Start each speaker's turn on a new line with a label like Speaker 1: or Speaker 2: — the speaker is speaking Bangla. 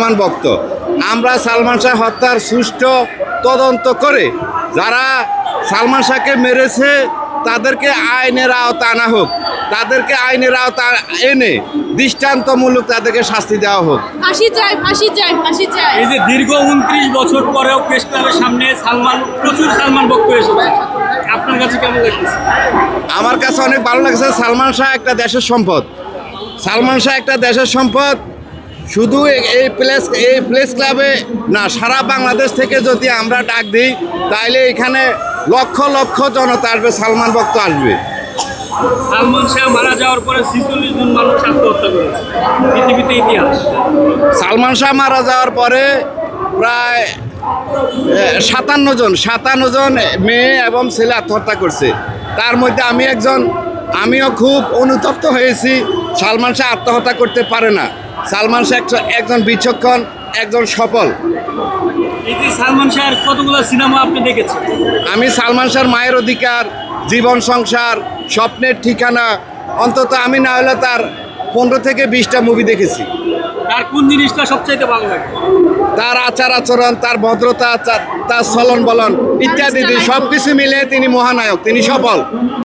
Speaker 1: সালমান ভক্ত। আমরা সালমান শাহ হত্যার সুষ্ঠু তদন্ত করে যারা সালমান শাহকে মেরেছে তাদেরকে আইনের আওতা আনা হোক, তাদেরকে আইনের আওতা এনে দৃষ্টান্তমূলক তাদেরকে শাস্তি দেওয়া হোক।
Speaker 2: ফাঁসি চাই, ফাঁসি চাই, ফাঁসি চাই।
Speaker 3: এই যে দীর্ঘ 29 বছর পরেও প্রেস ক্লাবের সামনে প্রচুর সালমান ভক্ত এসেছে, আপনার কাছে কেমন লাগছে?
Speaker 1: আমার কাছে অনেক ভালো লাগছে। সালমান শাহ একটা দেশের সম্পদ, সালমান শাহ একটা দেশের সম্পদ। শুধু এই প্রেস ক্লাবে না, সারা বাংলাদেশ থেকে যদি আমরা ডাক দিই তাহলে এখানে লক্ষ লক্ষ জনতা আসবে, সালমান ভক্ত আসবে।
Speaker 3: সালমান শাহ মারা যাওয়ার পরে 46 জন মানুষ আত্মহত্যা করেছে, পৃথিবীতে ইতিহাস।
Speaker 1: সালমান শাহ মারা যাওয়ার পরে প্রায় 57 জন মেয়ে এবং ছেলে আত্মহত্যা করছে। তার মধ্যে আমিও খুব অনুতপ্ত হয়েছি। সালমান শাহ আত্মহত্যা করতে পারে না। সালমান শাহ একজন বিচক্ষণ, একজন সফল।
Speaker 3: এই যে সালমান শাহের কতগুলো সিনেমা আপনি দেখেছেন?
Speaker 1: আমি সালমান শাহর মায়ের অধিকার, জীবন সংসার, স্বপ্নের ঠিকানা, অন্তত আমি না হলে তার 15 থেকে 20টা মুভি দেখেছি।
Speaker 3: তার কোন জিনিসটা সবচাইতে ভালো লাগে?
Speaker 1: তার আচার আচরণ, তার ভদ্রতা, তার চলন বলন ইত্যাদি সব কিছু মিলে তিনি মহানায়ক, তিনি সফল।